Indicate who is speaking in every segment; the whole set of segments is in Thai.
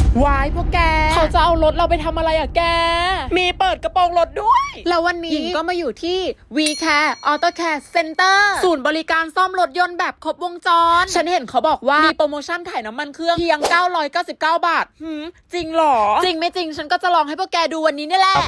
Speaker 1: วายพวกแกเขาจะเอารถเราไปทำอะไรอะแกมีเปิดกระโปรงรถด้วยแล้ววันนี้หญิงก็มาอยู่ที่ V-Care Auto Care Center ศูนย์บริการซ่อมรถยนต์แบบครบวงจรฉันเห็นเขาบอกว่ามีโปรโมชั่นถ่ายน้ำมันเครื่องเพียง999 บาทจริงหรอจริงไม่จริงฉันก็จะลองให้พวกแกดูวันนี้นี่แหละ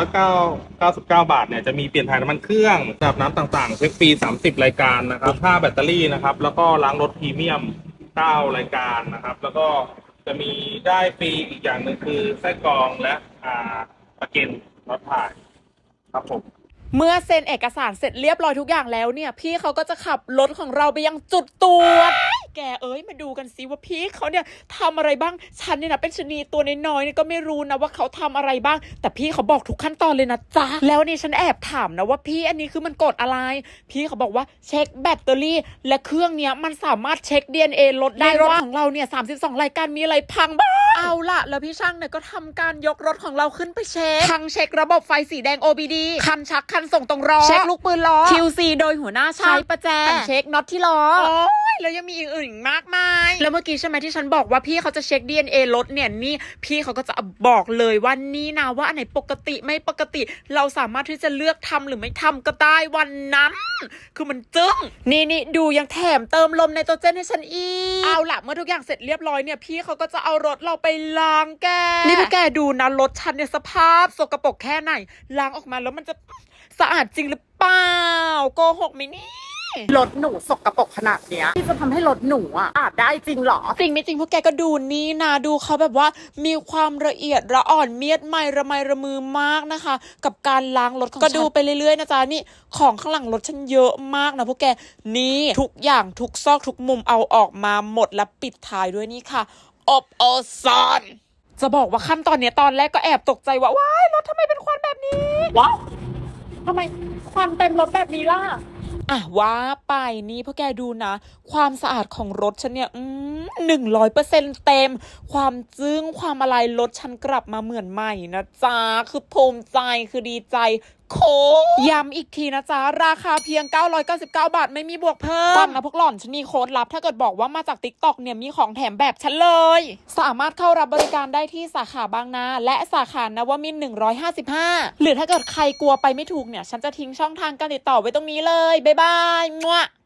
Speaker 2: 999 บาทเนี่ยจะมีเปลี่ยนถ่ายน้ำมันเครื่องระดับน้ำต่างๆเช็คฟรี30 รายการนะครับค่าแบตเตอรี่นะครับแล้วก็ล้างรถพรีเมียม9 รายการนะครับแล้วก็จะมีได้ฟรีอีกอย่างหนึ่งคือไส้กรองและประกันรถถ่ายครับผม
Speaker 1: เมื่อเซ็นเอกสารเสร็จเรียบร้อยทุกอย่างแล้วเนี่ยพี่เขาก็จะขับรถของเราไปยังจุดตรวจแกมาดูกันซิว่าพี่เขาเนี่ยทำอะไรบ้างฉันเนี่ยนะเป็นชนีตัวน้อยๆเนี่ยก็ไม่รู้นะว่าเขาทำอะไรบ้างแต่พี่เขาบอกทุกขั้นตอนเลยนะจ๊ะแล้วนี่ฉันแอบถามนะว่าพี่อันนี้คือมันกดอะไรพี่เขาบอกว่าเช็คแบตเตอรี่และเครื่องเนี้ยมันสามารถเช็ค DNA รถได้รถของเราเนี่ย32 รายการมีอะไรพังบ้างเอาล่ะแล้วพี่ช่างเนี่ยก็ทำการยกรถของเราขึ้นไปเช็คทั้งเช็คระบบไฟสีแดง OBD คันชักคันส่งตรงล้อเช็คลูกปืนล้อ QC โดยหัวหน้าช่างประแจเช็คน็อตที่ล้อแล้วยังมีอื่นๆมากมายแล้วเมื่อกี้ใช่ไหมที่ฉันบอกว่าพี่เขาจะเช็ค DNA รถเนี่ยนี่พี่เขาก็จะบอกเลยว่านี่นะว่าอันไหนปกติไม่ปกติเราสามารถที่จะเลือกทำหรือไม่ทำก็ได้วันนั้นคือมันจึ้งนี่ดูยังแถมเติมลมไนโตรเจนให้ฉันอีกเอาล่ะเมื่อทุกอย่างเสร็จเรียบร้อยเนี่ยพี่เขาก็จะเอารถเราไปล้างแกนี่พวกแกดูนะรถฉันเนี่ยสภาพสกปรกแค่ไหนล้างออกมาแล้วมันจะสะอาดจริงหรือเปล่าโกหกไหมนี่รถหนูสกปรกขนาดเนี้ยที่จะทำให้รถหนูอาบได้จริงหรอจริงไม่จริงพวกแกก็ดูนี่นะดูเขาแบบว่ามีความละเอียดละอ่อนเมียดไมระไมระมือมากนะคะกับการล้างรถของฉันก็ดูไปเรื่อยๆนะจ๊ะนี่ของข้างหลังรถฉันเยอะมากนะพวกแกนี่ทุกอย่างทุกซอกทุกมุมเอาออกมาหมดและปิดท้ายด้วยนี่ค่ะอบโอซอนจะบอกว่าขั้นตอนเนี้ยตอนแรกก็แอบตกใจว่าว้ายรถทำไมเป็นควันแบบนี้ว้าวทำไมควันเต็มรถแบบนี้ล่ะว่าไปนี่พวกแกดูนะความสะอาดของรถฉันเนี่ย100%เต็มความจึ้งความอะไรรถฉันกลับมาเหมือนใหม่นะจ๊ะคือภูมิใจคือดีใจโค้งย้ำอีกทีนะจ๊ะราคาเพียง999 บาทไม่มีบวกเพิ่มฟังนะพวกหล่อนฉันมีโค้ดลับถ้าเกิดบอกว่ามาจาก TikTok เนี่ยมีของแถมแบบฉันเลยสามารถเข้ารับบริการได้ที่สาขาบางนาและสาขานวมินทร์155หรือถ้าเกิดใครกลัวไปไม่ถูกเนี่ยฉันจะทิ้งช่องทางการติดต่อไว้ตรงนี้เลยบ๊ายบายมั่ว